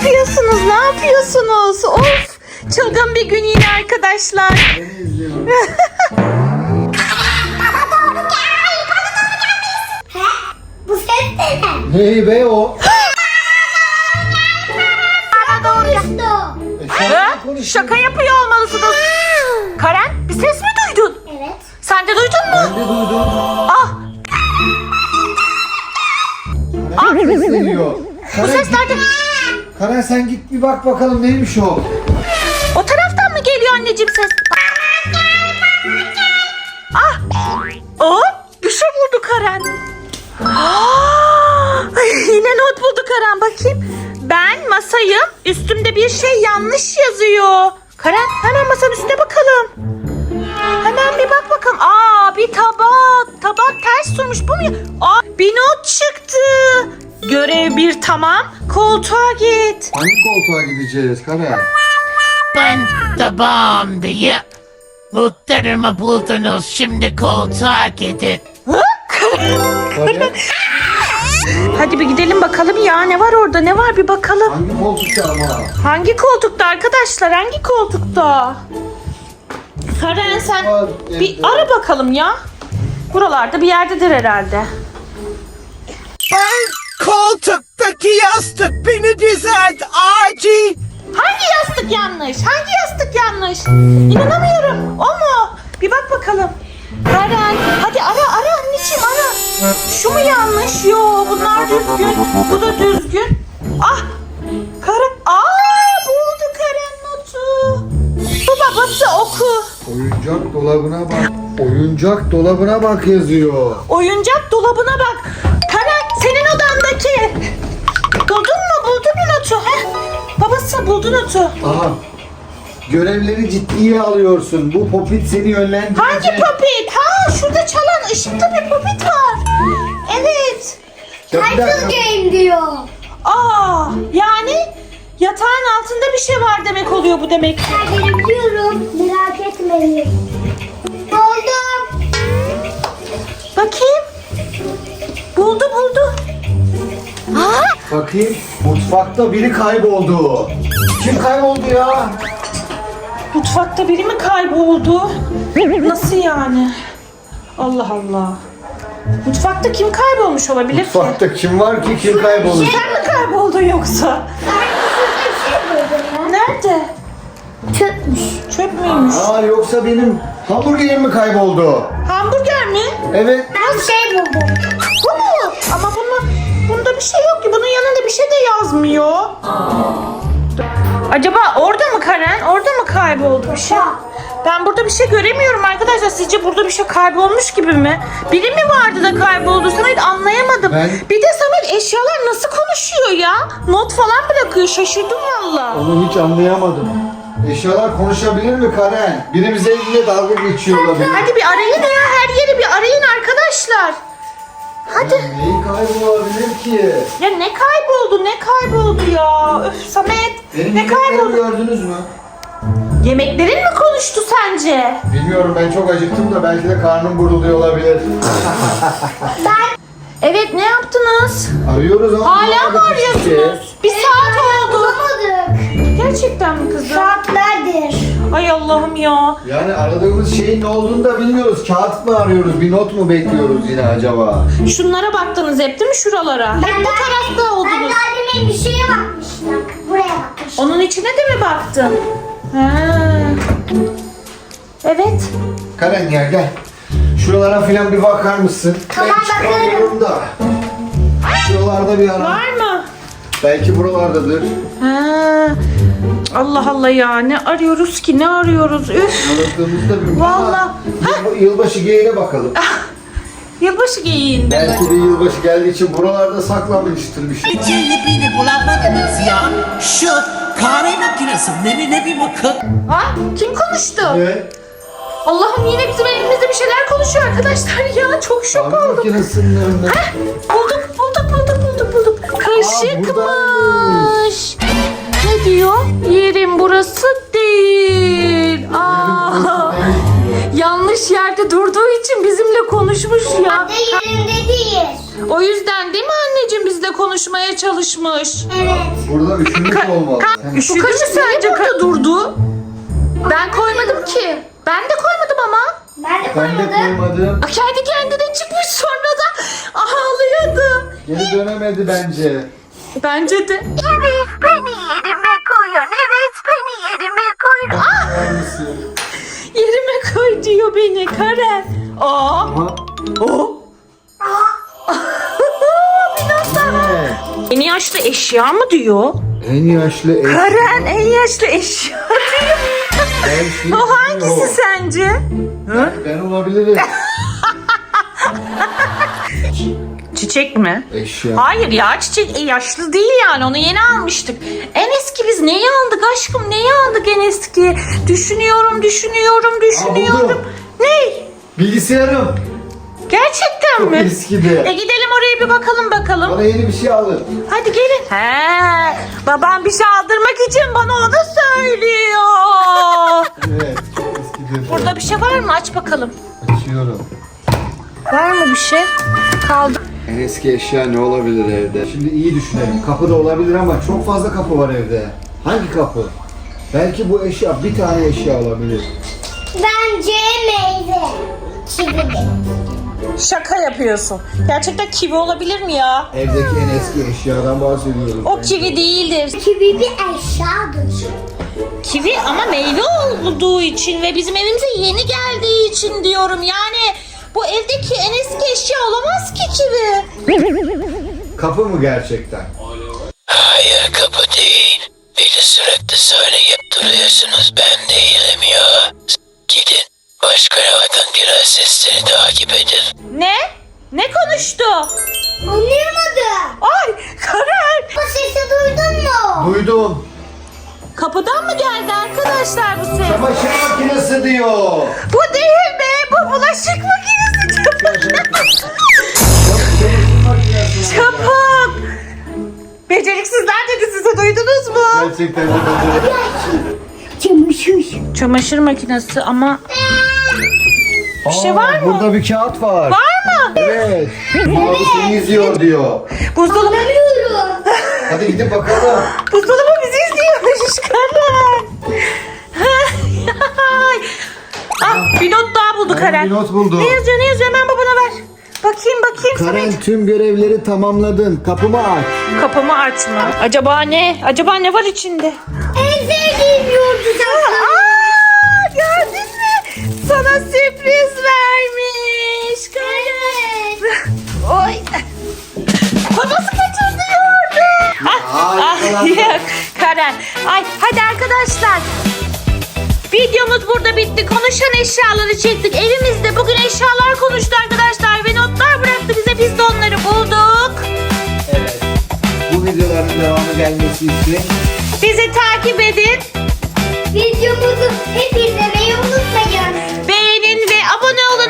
yapıyorsunuz? Ne yapıyorsunuz? Of! Çılgın bir gün yine arkadaşlar. Bu ses de ne? Hey be o. Bana doğru işte o. Şaka yapıyor olmalısınız. Karen, bir ses mi duydun? Evet. Sen de duydun mu? Ben de duydum. Ah! Sesleniyor. Bu ses nerede? Karen sen git bir bak bakalım neymiş o. O taraftan mı geliyor anneciğim ses? Ah! O bir şey buldu Karen. Ah! Yine not buldu Karen, bakayım. Ben masayım. Üstümde bir şey yanlış yazıyor. Karen, hemen masanın üstüne bakalım. Hemen bir bak bakalım. Aa, bir tabak. Tabak ters durmuş. Bu mu? Aa, bir not çıktı. Görev bir tamam. Koltuğa git. Hangi koltuğa gideceğiz Karen? Ben tabağım diye notlarımı buldunuz. Şimdi koltuğa gidin. Karen Hadi bir gidelim bakalım ya. Ne var orada? Ne var bir bakalım. hangi koltukta ama? Hangi koltukta arkadaşlar? Hangi koltukta? Karen sen Var, bir evde. ara bakalım ya. Buralarda bir yerdedir herhalde. Ben koltuktaki yastık beni düzelt acil. Hangi yastık yanlış? Hangi yastık yanlış? İnanamıyorum. O mu? Bir bak bakalım. Karen hadi ara anneciğim ara. Şu mu yanlış? Yo, bunlar düzgün. Bu da düzgün. Ah! Karen. Aa, buldu Karen notu. Bu babası oku. Oyuncak dolabına bak. Oyuncak dolabına bak yazıyor. Oyuncak dolabına bak. Karen, senin odandaki. Buldun mu? Buldun mu notu? Heh. Babası buldu notu. Aha. Görevleri ciddiye alıyorsun. Bu popit seni yönlendirecek. Hangi popit? Ha, şurada çalan ışıkta bir popit var. Evet. Ya bir Title dakika. game diyor. Aa, yani yatağın altında bir şey var demek oluyor bu demek. Ben biliyorum. Merak etmeyin. Buldum. Bakayım. Buldu. Bakayım. Mutfakta biri kayboldu. Kim kayboldu ya? Mutfakta biri mi kayboldu? Nasıl yani? Allah Allah. Mutfakta kim kaybolmuş olabilir ki? Mutfakta kim var ki kim kayboldu? Sen mi kayboldun yoksa? Bir şey buldum ya. Nerede? Çöpmüş. Çöp müymüş? Aa yoksa benim hamburgerim mi kayboldu? Hamburger mi? Evet. Ben bir şey buldum. Bu mu? Ama bunda bir şey yok ki. Bunun yanında bir şey de yazmıyor. Acaba orada mı Karen? Orada mı kayboldu bir şey? Ben burada bir şey göremiyorum arkadaşlar. Sizce burada bir şey kaybolmuş gibi mi? Biri mi vardı da kayboldu? Samet, anlayamadım. Bir de Samet, eşyalar nasıl konuşuyor ya? Not falan bırakıyor. Şaşırdım valla. Onu hiç anlayamadım. Eşyalar konuşabilir mi Karen? Biri bize eline dalga geçiyor olabilir. Hadi bir arayın ya. Her yeri bir arayın arkadaşlar. Hadi. Neyi kaybolabilir ki? Ya ne kayboldu? Ne kayboldu ya? Öf Samet. Benim Ne yemeklerimi kayboldu? gördünüz mü? Yemeklerin mi konuştu sence? Bilmiyorum, ben çok acıktım da belki de karnım gurulduyor olabilir. Evet, ne yaptınız? Arıyoruz ama Hala mı bulamadık hiçbir şey. arıyorsunuz? Bir saat oldu. Bulamadık. Gerçekten mi kızım? Saatlerdir. Ay Allah'ım ya. Yani aradığımız şeyin ne olduğunu da bilmiyoruz. Kağıt mı arıyoruz? Bir not mu bekliyoruz yine acaba? Şunlara baktınız hep değil mi, şuralara? Hep bu tarafta Ben oldunuz. daha demin bir şeye bakmıştım. Buraya bakmıştım. Onun içine de mi baktın? Ha. Evet. Karen gel. Şuralara filan bir bakar mısın? Tamam, Ben çıkamıyorum da. Şuralarda bir ara. Var mı? Belki buralardadır. Ha. Allah Allah ya, ne arıyoruz ki, ne arıyoruz? Üf. Aradığımızda bir Vallahi. Yılbaşı geyiğine bakalım. Yılbaşı geyiğinde. Belki de yılbaşı geldiği için buralarda saklanmıştır bir şey. Ece'yle beni bulamadınız ya. Şu kahve makinesinde ne bir bakın. Ha? Kim konuştu? Evet. Allah'ım, yine bizim elimizde bir şeyler konuşuyor arkadaşlar ya. Çok şok Kahve oldum. makinesinin önünde. Bulduk. Kaşıkmış. buradaymış. Ne diyor? Yerim burası değil. Yanlış yerde durduğu için bizimle konuşmuş ya. De yerinde değil. O yüzden değil mi anneciğim bizle konuşmaya çalışmış? Evet. Burada üşümüş olmalı. Sen- Bu kaşı sence burada durdu? Ben koymadım ki. Ben de koymadım ama. Ben de Ben de koymadım. koymadım. Kendi kendine çıkmış sonra da ağlıyordu. Geri dönemedi bence. Bence de. Evet beni yerime koyun. Evet beni yerime koyun. Bakar mısın? Yerime koy diyor beni Karen. Aa. Aha. O. Ne? En yaşlı eşya mı diyor? En yaşlı eş. Karen en yaşlı eşya diyor. Ben O hangisi sence? Ben olabilirim. Çiçek mi? Eşya. Hayır ya çiçek yaşlı değil yani onu yeni almıştık. En eski biz neyi aldık aşkım neyi aldık en eski? Düşünüyorum. buldum. Ne? Bilgisayarım. Gerçekten Çok mi? eskidi. Gidelim oraya bir bakalım. Bana yeni bir şey alın. Hadi gelin. Babam bir şey aldırmak için bana onu söylüyor. Evet, çok eskidi. Burada bir şey var mı? Aç bakalım. Açıyorum. Var mı bir şey? Kaldı. En eski eşya ne olabilir evde? Şimdi iyi düşünelim. Kapı da olabilir ama çok fazla kapı var evde. Hangi kapı? Belki bu eşya bir tane eşya olabilir. Bence meyve. Kivi. Şaka yapıyorsun. Gerçekten kivi olabilir mi ya? Evdeki en eski eşyadan bahsediyorum. O kivi değildir. Kivi bir eşyadır. Kivi ama meyve olduğu için ve bizim evimize yeni geldiği için diyorum. Yani bu evdeki en eski eşya olamaz ki kivi. Kapı mı gerçekten? Hayır kapı değil. Bir de sürekli söyleyip duruyorsunuz ben değilim ya. Gidin başka yerden biraz sesleri takip edin. Ne? Ne konuştu? Anlayamadım. Ay Karen. Bu sesi duydun mu? Duydum. Kapıdan mı geldi arkadaşlar bu ses? Çamaşır makinesi diyor. Bu değil mi? Bu bulaşık makinesi. Çamaşır makinesi. Çabuk. Beceriksizler dedi size duydunuz mu? Gerçekten de Çamaşır. Çamaşır makinesi ama bir şey var mı? Burada bir kağıt var. Var mı? Evet. Abi seni izliyor diyor. Buzdolabı. Anlamıyorum. Hadi gidip bakalım. Buzdolabı bizi izliyormuş Karen. Bir not daha buldu Ben Karen. bir not buldum. Ne yazıyor hemen babana ver. Bakayım Karen Samet. tüm görevleri tamamladın. Kapımı aç. Kapımı açma. Acaba ne? Acaba ne var içinde? En sevdiğim yoğurdu zaten. Gördün mü? Sana sürpriz vermiş. Evet. Oy. Babası kaçırdı yoğurdu. Yok Karen. Ay hadi arkadaşlar. Videomuz burada bitti. Konuşan eşyaları çektik. Evimizde bugün eşyalar konuştu arkadaşlar ve notlar bıraktı bize. Biz de onları bulduk. Evet. Bu videoların devamı gelmesi için Bizi takip edin. Videomuzu hep izlemeyi unutmayın. Beğenin ve abone olun.